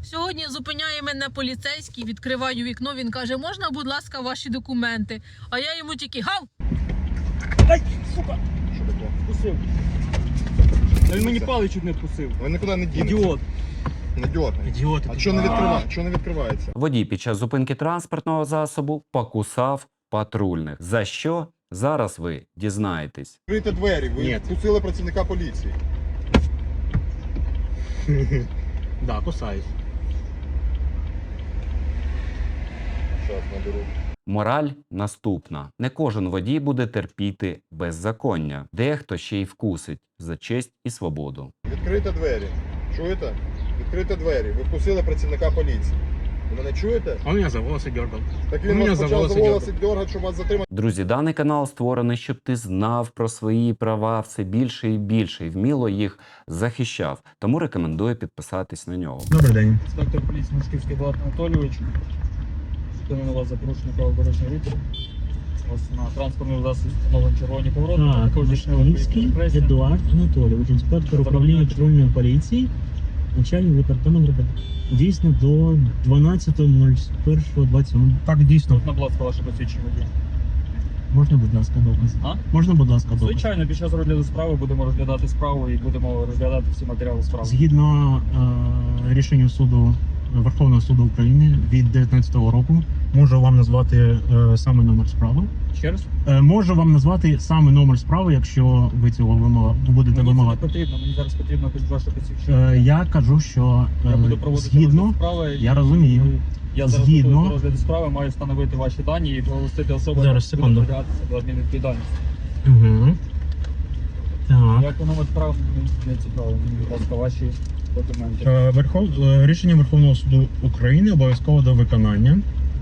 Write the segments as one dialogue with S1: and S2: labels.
S1: Сьогодні зупиняє мене поліцейський, відкриваю вікно, він каже, можна, будь ласка, ваші документи? А я йому тільки гав!
S2: Ай, сука!
S3: Що таке?
S2: Вкусив. Він мені палець чуть не вкусив.
S3: Ви нікуди не дінете.
S2: Ідіот.
S3: Не дьоргай.
S2: Ідіот.
S3: А чого не відкривається? Чого не відкривається?
S4: Водій під час зупинки транспортного засобу покусав патрульних. За що? Зараз ви дізнаєтесь.
S3: Відкрийте двері, ви
S2: Ні.
S3: впустили працівника поліції.
S2: Да, кусаюсь.
S3: Зараз наберу.
S4: Мораль наступна. Не кожен водій буде терпіти беззаконня. Дехто ще й вкусить за честь і свободу.
S3: Відкрийте двері. Чуєте? Відкрийте двері. Ви впустили працівника поліції. Ви мене чуєте?
S2: Он меня за волосы дергал.
S3: Так
S2: Ну,
S3: він
S2: мене
S3: вас
S2: за
S3: почав
S2: волоси
S3: за волоси дергати, щоб вас затримати.
S4: Друзі, даний канал створений, щоб ти знав про свої права все більше і більше і вміло їх захищав. Тому рекомендую підписатись на нього.
S2: Добрий день. Інспектор поліції Мушківський Влад Анатолійович. Зупинили вас за порушення правил дорожнього руху. Ось на транспортному засобі встановлені червоні повороти.
S5: Так, Вишневський Едуард Анатолійович, інспектор управління патрульної поліції, начальник департаменту. Дійсно до 12.01.27.
S2: Так, дійсно. Будь ласка, ваше посвідчення водія.
S5: Можна, будь ласка, докази?
S2: А?
S5: Можна, будь ласка, докази?
S2: Звичайно, під час розгляду справи будемо розглядати справу і будемо розглядати всі матеріали справи.
S5: Згідно рішенню суду Верховного суду України від 19-го року, можу вам назвати саме номер справи.
S2: Ще раз?
S5: Можу вам назвати саме номер справи, якщо ви цього будете
S2: Мені це не
S5: вимагати.
S2: потрібно, мені зараз потрібно ваше посвідчення.
S5: Я кажу, що
S2: Я буду проводити
S5: згідно,
S2: розгляд справи.
S5: я розумію.
S2: Я зараз
S5: Згідно-
S2: готовий до розгляду справи, маю встановити ваші дані і проголосити особу,
S5: Зараз,
S2: яка буде
S5: секунду.
S2: притягатися до адмінвідповідальності.
S5: Угу. Так.
S2: Як номер справи, мені не цікаво. Мені, будь ласка, ваші документи.
S5: Рішення Верховного суду України обов'язково до виконання.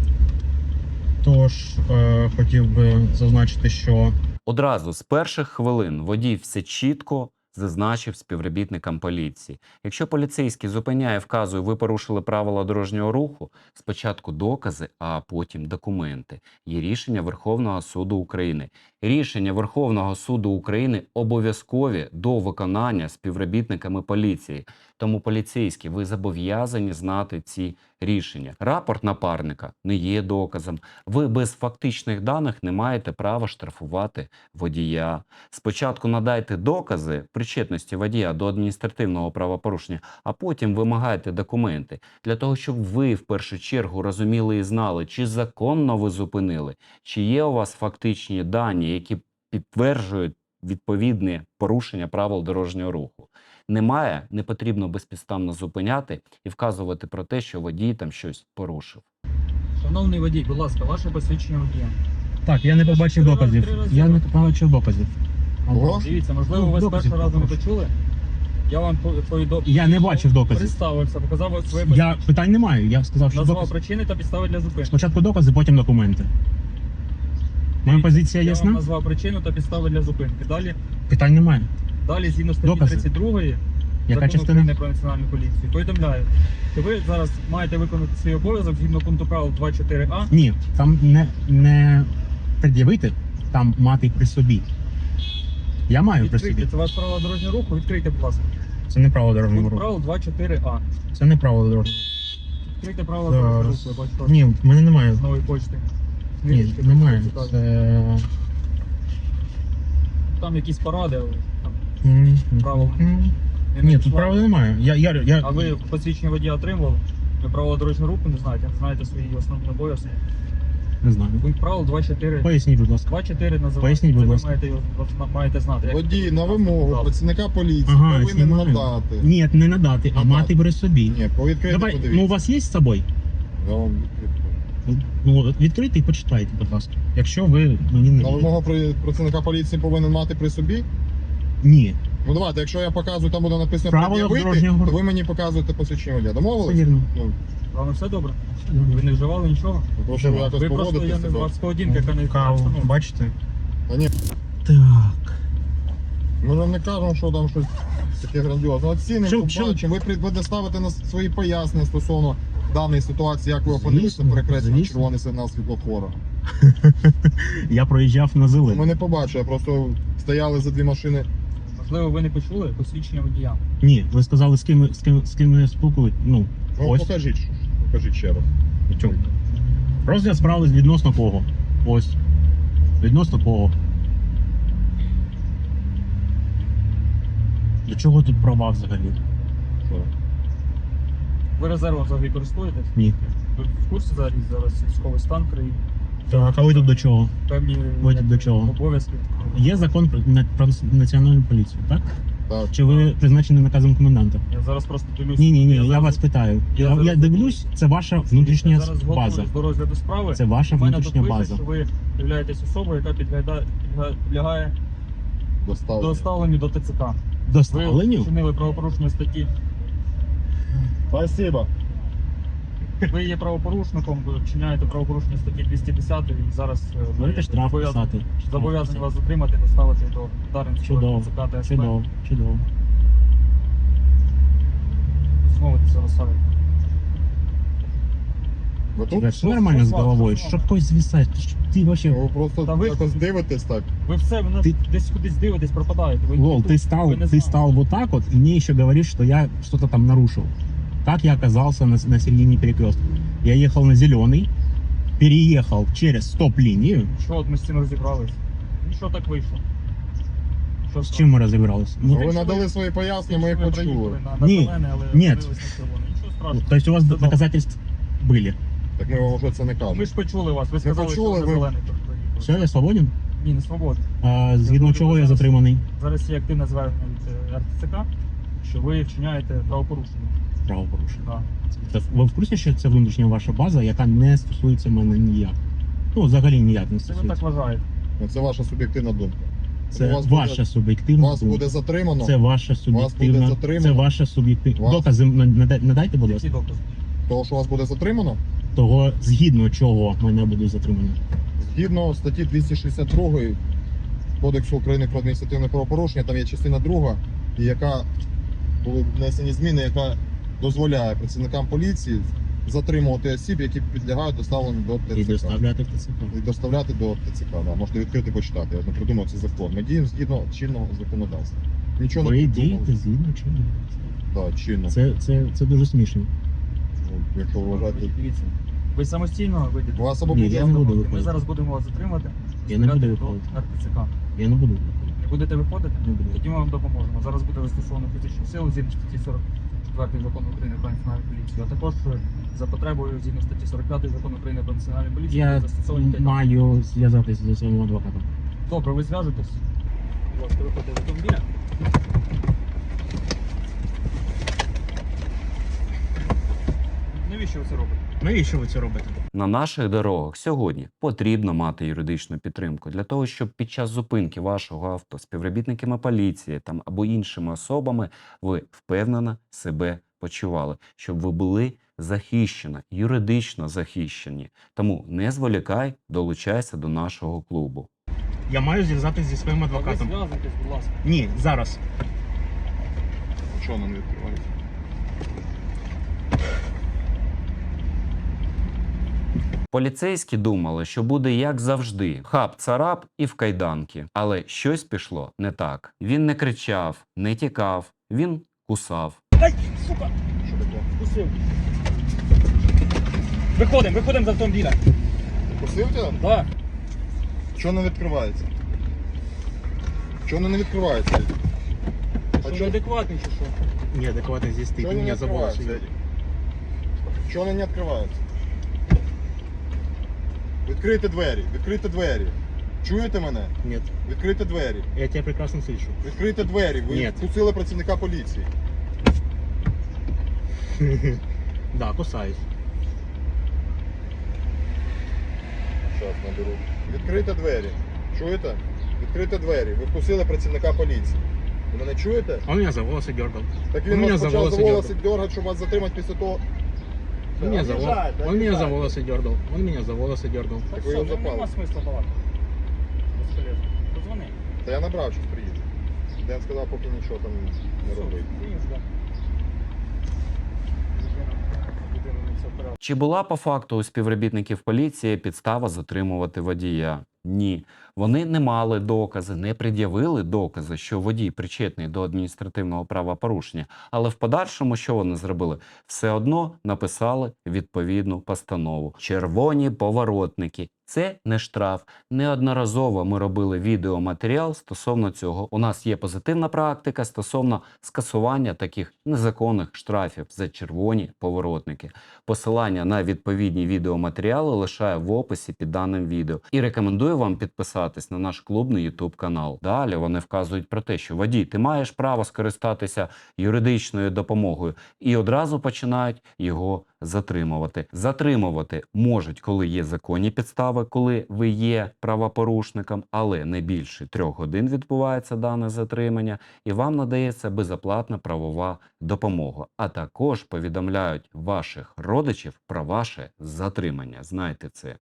S5: Тож хотів би зазначити, що
S4: Одразу з перших хвилин водій все чітко зазначив співробітникам поліції. Якщо поліцейський зупиняє, вказує, ви порушили правила дорожнього руху, спочатку докази, а потім документи. Є рішення Верховного суду України. Рішення Верховного суду України обов'язкові до виконання співробітниками поліції. Тому поліцейські, ви зобов'язані знати ці рішення. Рапорт напарника не є доказом. Ви без фактичних даних не маєте права штрафувати водія. Спочатку надайте докази причетності водія до адміністративного правопорушення, а потім вимагайте документи. Для того, щоб ви в першу чергу розуміли і знали, чи законно ви зупинили, чи є у вас фактичні дані, які підтверджують відповідне порушення правил дорожнього руху. Немає, не потрібно безпідставно зупиняти і вказувати про те, що водій там щось порушив.
S2: Шановний водій, будь ласка, ваше посвідчення водія.
S5: так, я не побачив
S2: Три
S5: доказів.
S2: рази.
S5: Я не побачив доказів.
S3: Ого.
S2: Дивіться, можливо, ви з
S5: доказів
S2: першого разу не
S5: прошу.
S2: почули. Я вам повідомив.
S5: Я не бачив доказів.
S2: Представився, показав своє
S5: Я питань не маю. Я сказав, що
S2: назвав
S5: докази.
S2: причини та підстави для зупинки.
S5: Спочатку докази, потім документи. Моя позиція
S2: Я вам
S5: ясна?
S2: назвав причину та підстави для зупинки.
S5: Питань немає.
S2: Далі, згідно статті
S5: Докази.
S2: 32
S5: Яка
S2: Закону
S5: частина?
S2: України про національну поліцію, повідомляю, що ви зараз маєте виконати свій обов'язок згідно пункту правил 2.4а.
S5: Ні, там не пред'явити, там мати при собі. Я маю при
S2: Відкрийте,
S5: собі.
S2: це ваше правило дорожнього руху, відкрийте, будь ласка.
S5: Це не право дорожнього
S2: Пункт
S5: руху.
S2: правил 2.4а.
S5: Це не право дорожнього.
S2: Відкрийте правила дорожнього руху,
S5: Зараз.
S2: я бачу вас
S5: Ні, в мене немає.
S2: з нової почти.
S5: Ні,
S2: Книжечки,
S5: немає.
S2: цікаві.
S5: Це...
S2: Там якісь поради, але там
S5: М,
S2: правила.
S5: Ні,
S2: не
S5: тут
S2: пішла.
S5: правил немає.
S2: А ви посвідчення водія отримували? Ви правила дорожнього руху не знаєте, не знаєте свої основні обов'язки.
S5: Не знаю.
S2: Пункт правил 2.4.
S5: Поясніть, будь ласка.
S2: 2.4 називається.
S5: Поясніть, будь
S2: Це ви
S5: ласка.
S2: маєте знати. як-
S3: Водій на вимогу
S2: Так.
S3: працівника поліції
S5: Ага,
S3: повинен
S5: знімаю.
S3: надати.
S5: Ні, не надати, а
S3: Надати.
S5: мати при собі.
S3: Ні, повідкрити
S5: Давай,
S3: подивіться.
S5: ну у вас є з собою?
S3: Я вам відкрию.
S5: Ну, от відкрийте і почитайте, будь ласка. Якщо ви мені не
S3: На вимогу працівника поліції повинен мати при собі.
S5: Ні.
S3: Ну давайте, якщо я показую, там буде написано
S5: Правила
S3: пред'явити,
S5: дорожнього
S3: то
S5: руху.
S3: ви мені показуєте посвідчення водія.
S5: Все
S3: Домовились?
S5: вірно.
S3: Ну,
S2: З вами все добре? Ви не вживали нічого?
S3: прошу ви якось
S2: Ви просто, я
S3: поводитися.
S2: не вас поведінка, яка не
S5: Каву,
S2: ну,
S5: бачите?
S3: Та ні,
S5: Так.
S3: ми вам не кажемо, що там щось таке грандіозне. Оцінимо,
S5: Що-
S3: побачимо. Ви будете ставити на свої пояснення стосовно даної ситуації, як ви опинилися
S5: Звісно,
S3: перекреслено
S5: звісно.
S3: червоний сигнал світлофора.
S5: Я проїжджав на зелений.
S3: Ми не побачили, просто стояли за дві машини.
S2: Можливо, ви не почули посвідчення водія.
S5: Ні, ви сказали, з ким я спілкуюсь. Ну,
S3: Ну,
S5: Ось.
S3: покажіть ще раз.
S5: В чому? Розгляд справи відносно кого? Ось. Відносно кого? До чого тут права взагалі?
S3: Що?
S2: Ви резервом взагалі користуєтесь?
S5: Ні.
S2: Ви в курсі зараз військовий стан в країні?
S5: Так, а ви тут до чого?
S2: Певні
S5: Ви тут до чого?
S2: обов'язки.
S5: Є закон про національну поліцію, так?
S3: Так.
S5: Чи ви призначені наказом коменданта?
S2: Я зараз просто дивлюсь.
S5: Ні, я
S2: зараз-
S5: вас питаю.
S2: я
S5: Я
S2: зараз-
S5: дивлюсь, це ваша внутрішня
S2: зараз
S5: база.
S2: готуюсь до розгляду справи.
S5: Це ваша
S2: У мене тут
S5: внутрішня
S2: пише,
S5: база.
S2: що ви являєтесь особою, яка підлягає доставленню до ТЦК. Ви
S5: Доставленню?
S2: вчинили правопорушення статті.
S3: Спасибо.
S2: Ви є правопорушником, ви вчиняєте правопорушення статті 210 і зараз
S5: Будете штраф
S2: зобов'язані
S5: писати.
S2: зобов'язані вас затримати, доставити до Дарницького
S5: Чудово,
S2: ТЦК та СП.
S5: Чудово.
S2: Змовитися на сайт.
S3: Ви тут?
S5: Все нормально з головою? Що когось звісаєш? Ти вообще...
S3: Ви просто
S2: Та ви-
S3: якось дивитесь так.
S2: Ви все, ви
S5: Ти-
S2: десь кудись дивитесь, пропадаєте. Ви
S5: Лол,
S2: тут-
S5: ты
S2: ви не знаєте.
S5: стал вот так вот, и мне еще говоришь, что я что-то там нарушил. Как я оказался на середине перекрестка? Я ехал на зеленый, переехал через стоп-линию.
S2: Що от ми з цим розібрались? Ну що так вийшло? Що
S5: С чем мы разобрались?
S3: Ну,
S2: якщо
S3: ви надали
S2: ви-
S3: свої пояснення, ми їх
S2: ви
S3: почули.
S2: приїхали на
S5: Ні,
S2: зелене, але
S5: ні.
S2: опинились на червоне. Нічого страшного.
S5: То есть у вас
S2: Це добре.
S5: доказательства были?
S3: Так ми вам вже це не кажемо.
S2: Ми ж почули вас, ви сказали,
S3: почули,
S2: що
S3: ви-
S2: на зелений приїхали.
S5: Все, я свободен?
S2: Ні, не свободно.
S5: А, згідно
S2: дуже
S5: чого я
S2: зараз-
S5: затриманий?
S2: Зараз є активне звернення від РТЦК, що ви вчиняєте правопорушення.
S5: Правопорушення.
S2: Да.
S5: Ви в курсі, що це внутрішня ваша база, яка не стосується мене ніяк? Ну, взагалі ніяк не
S2: Це ви так
S5: стосується.
S2: вважаєте.
S3: Ну, це ваша суб'єктивна думка.
S5: Це
S3: вас
S5: ваша
S3: буде-
S5: суб'єктивна
S3: Вас
S5: думка.
S3: буде затримано.
S5: Це ваша суб'єктивна.
S3: затримано.
S5: Це ваша суб'єктивна.
S3: Вас-
S5: Докази надайте, будь ласка.
S2: Які докази?
S3: Того, що вас буде затримано,
S5: Того, згідно чого мене буде затримано.
S3: згідно статті 262 Кодексу України про адміністративне правопорушення, там є частина 2, і яка були внесені зміни, яка дозволяє працівникам поліції затримувати осіб, які підлягають доставленню до
S5: І
S3: ТЦК.
S5: доставляти в ТЦК.
S3: І доставляти до ТЦК. Да. Можете відкрити почитати. Я не придумав цей закон. Ми діємо згідно чинного законодавства. Нічого
S5: Ви
S3: не
S5: дієте
S3: придумали.
S5: згідно чого?
S3: Да, чинно.
S5: Це дуже смішно.
S3: Ну, якщо ви вважаєте.
S2: Дивіться. Ви самостійно вийдете.
S3: Вас або
S5: Ні,
S3: буде
S5: я не буду
S2: Ми
S5: виходити.
S2: зараз будемо вас затримати.
S5: Я не буду
S2: доставляти
S5: виходити.
S2: до РТЦК.
S5: Я не буду.
S2: Не будете виходити?
S5: Не буду.
S2: Тоді ми вам допоможемо. Зараз буде застосовано фізичну силу згідно статті 44 закону України про національну поліцію, а також за потребою згідно статті 45 закону України про національну поліцію
S5: Я
S2: буде застосовані тягнення.
S5: маю зв'язатися зі своїм адвокатом.
S2: Добре, ви зв'яжетесь. Будь ласка, виходьте з автомобіля. Навіщо ви це робите?
S5: Навіщо ви це робите?
S4: На наших дорогах сьогодні потрібно мати юридичну підтримку для того, щоб під час зупинки вашого авто співробітниками поліції там або іншими особами ви впевнено себе почували, щоб ви були захищені, юридично захищені. Тому не зволікай, долучайся до нашого клубу.
S5: Я маю зв'язатися зі своїм
S2: Ви
S5: адвокатом.
S2: зв'язуйтесь, будь ласка.
S5: Ні, зараз.
S3: Що нам відкривається?
S4: Поліцейські думали, що буде як завжди: хап-царап і в кайданки. Але щось пішло не так. Він не кричав, не тікав, він кусав.
S2: Ай, сука!
S3: Що таке?
S2: Вкусив. Виходимо з автомобіля.
S3: Пустив тебе?
S2: Так.
S3: Чого не відкривається? Чого не відкривається?
S2: Що
S3: чо-
S2: неадекватний чи що?
S5: Неадекватно здесь ты.
S3: Чого
S5: Ты
S3: не
S5: меня за волосы.
S3: відкривається? Чого не відкривається? Відкрийте двері, відкрийте двері. Чуєте мене?
S5: Нет,
S3: Відкрийте двері.
S5: я тебя прекрасно слышу.
S3: Відкрийте двері. Ви
S5: Ні.
S3: впустили працівника поліції.
S5: Да, кусаюсь.
S3: Зараз наберу. Відкрийте двері. Чуєте? Відкрийте двері. Ви впустили працівника поліції. Ви мене чуєте?
S5: Он меня за волосы дергал.
S3: Так
S5: Он
S3: він
S5: меня
S3: вас
S5: за
S3: почав за
S5: волосы
S3: волоси
S5: дергал.
S3: дергати, щоб вас затримати після того.
S5: Он меня за
S3: Обіжаєте,
S5: волосы. Он меня за
S3: обіжаєте.
S5: волосы дергал. Он меня за волосы дергал.
S3: Так ви його запали.
S2: Нема смисла балакати. Безполезно. Позвони.
S3: Та я набрав, щось приїде. Ден сказав, поки нічого там не робить.
S4: Чи була по факту у співробітників поліції підстава затримувати водія? Ні. Вони не мали докази, не пред'явили докази, що водій причетний до адміністративного правопорушення. Але в подальшому, що вони зробили? Все одно написали відповідну постанову. Червоні поворотники. Це не штраф. Неодноразово ми робили відеоматеріал стосовно цього. У нас є позитивна практика стосовно скасування таких незаконних штрафів за червоні поворотники. Посилання на відповідні відеоматеріали лишаю в описі під даним відео. І рекомендую вам підписатись на наш клубний YouTube канал. Далі вони вказують про те, що водій, ти маєш право скористатися юридичною допомогою. І одразу починають його затримувати. Затримувати можуть, коли є законні підстави, коли ви є правопорушником, але не більше 3 годин відбувається дане затримання, і вам надається безоплатна правова допомога. А також повідомляють ваших родичів про ваше затримання. Знайте це.